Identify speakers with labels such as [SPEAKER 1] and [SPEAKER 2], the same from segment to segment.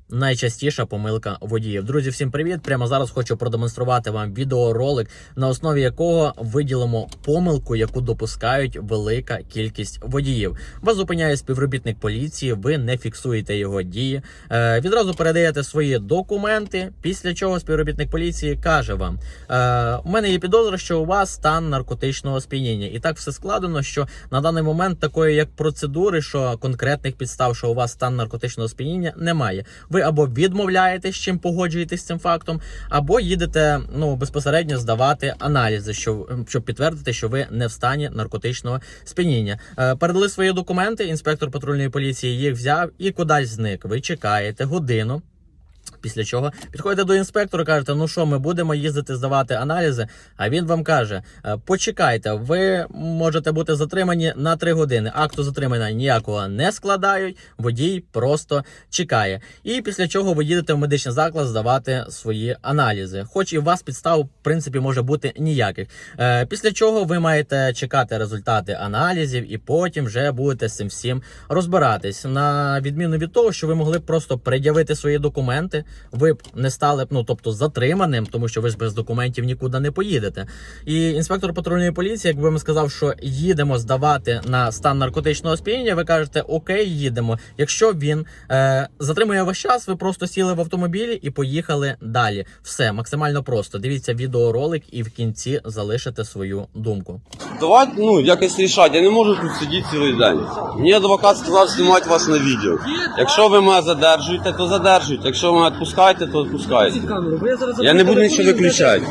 [SPEAKER 1] найчастіша помилка водіїв. Друзі, всім привіт! Прямо зараз хочу продемонструвати вам відеоролик, на основі якого виділимо помилку, яку допускають велика кількість водіїв. Вас зупиняє співробітник поліції, ви не фіксуєте його дії, відразу передаєте свої документи, після чого співробітник поліції каже вам: у мене є підозра, що у вас стан наркотичного сп'яніння. І так все складено, що на даний момент такої як процедури, що конкретних підстав, що у вас стан наркотичного сп'яніння, немає. Ви або відмовляєтесь, чим погоджуєтесь з цим фактом, або їдете безпосередньо здавати аналізи, щоб підтвердити, що ви не в стані наркотичного сп'яніння. Передали свої документи, інспектор патрульної поліції їх взяв і кудись зник. Ви чекаєте годину. Після чого підходите до інспектора, кажете: ну що, ми будемо їздити здавати аналізи? А він вам каже: почекайте, ви можете бути затримані на 3 години. Акту затримання ніякого не складають, водій просто чекає. І після чого ви їдете в медичний заклад здавати свої аналізи. Хоч і у вас підстав, в принципі, може бути ніяких. Після чого ви маєте чекати результати аналізів і потім вже будете з цим всім розбиратись. На відміну від того, що ви могли б просто пред'явити свої документи, ви б не стали тобто затриманим, тому що ви ж без документів нікуди не поїдете. І інспектор патрульної поліції, якби вам сказав, що їдемо здавати на стан наркотичного сп'яніння, ви кажете: окей, їдемо. Якщо він затримує ваш час, ви просто сіли в автомобілі і поїхали далі. Все, максимально просто. Дивіться відеоролик і в кінці залишите свою думку.
[SPEAKER 2] Давайте, якось рішати. Я не можу тут сидіти цілий день. Мені адвокат сказав знімати вас на відео. Якщо ви мене задержуєте, то задержуйте. Якщо ви мене відпускаєте, то відпускайте. Я не буду нічого виключати.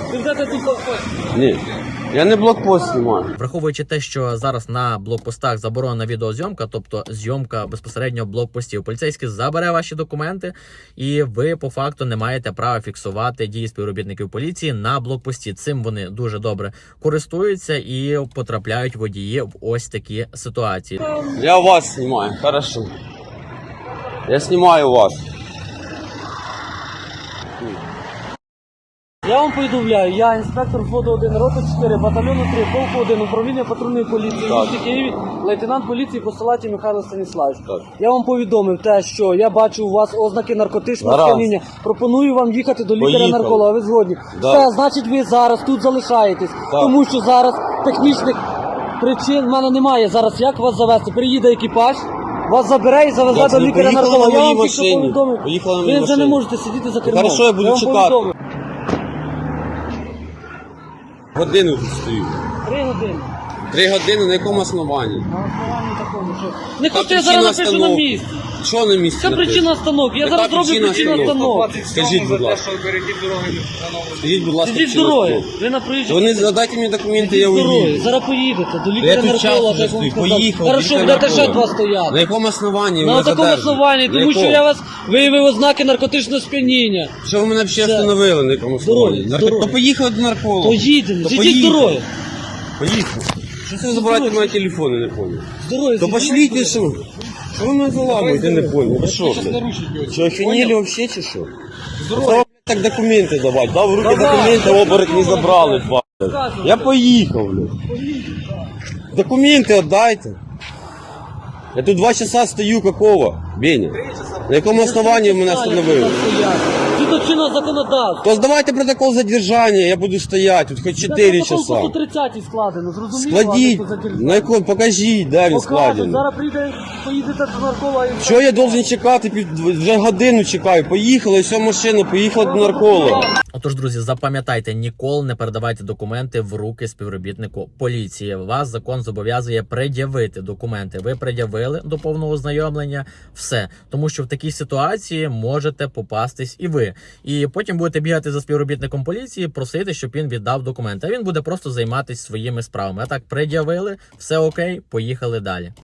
[SPEAKER 2] Ні. Я не блокпост знімаю.
[SPEAKER 1] Враховуючи те, що зараз на блокпостах заборонена відеозйомка, тобто зйомка безпосередньо блокпостів, поліцейський забере ваші документи, і ви по факту не маєте права фіксувати дії співробітників поліції на блокпості. Цим вони дуже добре користуються і потрапляють водії в ось такі ситуації.
[SPEAKER 2] Я вас знімаю, хорошо. Я знімаю вас.
[SPEAKER 3] Я вам повідомляю, я інспектор взводу 1, роти 4, батальйону 3, полку 1, управління патрульної поліції в місті Києві, лейтенант поліції Посилаті Михайло Станіславович. Я вам повідомив те, що я бачу у вас ознаки наркотичного сп'яніння. Пропоную вам їхати до лікаря-нарколога. Ви згодні? Все, значить ви зараз тут залишаєтесь, тому що зараз технічних причин в мене немає. Зараз як вас завести? Приїде екіпаж, вас забере і завезе до лікаря-нарколога. Я вам тільки повідомив. Ви вже не можете сидіти за кермом.
[SPEAKER 2] Хорошо, я буду чекати. Годину тут стою.
[SPEAKER 3] 3 години.
[SPEAKER 2] 3 години на якому основанні?
[SPEAKER 3] На основанні такому, що... Не хочете, я зараз напишу на місці.
[SPEAKER 2] Що на місці?
[SPEAKER 3] Це причина остановки. Я зараз роблю причину остановки.
[SPEAKER 2] Скажіть, будь ласка. Скажіть, будь ласка,
[SPEAKER 3] Сидіть з дороги. Ви на проїжджій.
[SPEAKER 2] Вони задайте мені документи, я
[SPEAKER 3] Сидіть з дороги.
[SPEAKER 2] уїду.
[SPEAKER 3] Зараз поїдете до
[SPEAKER 2] Я
[SPEAKER 3] лікаря
[SPEAKER 2] тут час
[SPEAKER 3] нарколога.
[SPEAKER 2] вже стою. Поїхав.
[SPEAKER 3] Хорошо, будете ще 2
[SPEAKER 2] На
[SPEAKER 3] стояти.
[SPEAKER 2] якому основанні ви
[SPEAKER 3] На
[SPEAKER 2] мене
[SPEAKER 3] такому
[SPEAKER 2] задержуєте?
[SPEAKER 3] основанні,
[SPEAKER 2] На
[SPEAKER 3] тому що
[SPEAKER 2] якому?
[SPEAKER 3] я вас виявив ознаки наркотичного сп'яніння.
[SPEAKER 2] Що ви мене ще
[SPEAKER 3] Все.
[SPEAKER 2] встановили на якому основанні?
[SPEAKER 3] Здоров'я.
[SPEAKER 2] То поїхали до нарколога.
[SPEAKER 3] Поїдемо.
[SPEAKER 2] То
[SPEAKER 3] Сидіть з дороги.
[SPEAKER 2] Поїхали. Що це ви забираєте мої телефони, не понял?
[SPEAKER 3] З дороги.
[SPEAKER 2] То
[SPEAKER 3] сидіть.
[SPEAKER 2] пошліть, що? Що ви мене заламуєте, не понял? Ви що, блядь? Що, охренели вообще, чи що? Треба, так документи давати. Дав в руки документи, оборот не забрали, два. Я поїхав, блядь. Документи віддайте. Я тут 2 часа стою, какого? Беня. На якому основанні ви мене встановили?
[SPEAKER 3] Згідно чинного законодавства.
[SPEAKER 2] То здавайте протокол задержання, я буду стояти тут хоч 4 часа.
[SPEAKER 3] Протокол по 30 складено, зрозуміло?
[SPEAKER 2] Складіть,
[SPEAKER 3] а не по задержанню.
[SPEAKER 2] на якому, покажіть, де він
[SPEAKER 3] Покажуть,
[SPEAKER 2] складений.
[SPEAKER 3] зараз поїдете до нарколога і...
[SPEAKER 2] Що я должен чекати? Вже годину чекаю. Поїхали, все, машина, поїхала до нарколога.
[SPEAKER 1] Отож, друзі, запам'ятайте, ніколи не передавайте документи в руки співробітнику поліції. Вас закон зобов'язує пред'явити документи. Ви пред'явили до повного ознайомлення, все. Тому що в такій ситуації можете попастись і ви. І потім будете бігати за співробітником поліції, просити, щоб він віддав документи. А він буде просто займатися своїми справами. А так, пред'явили, все окей, поїхали далі.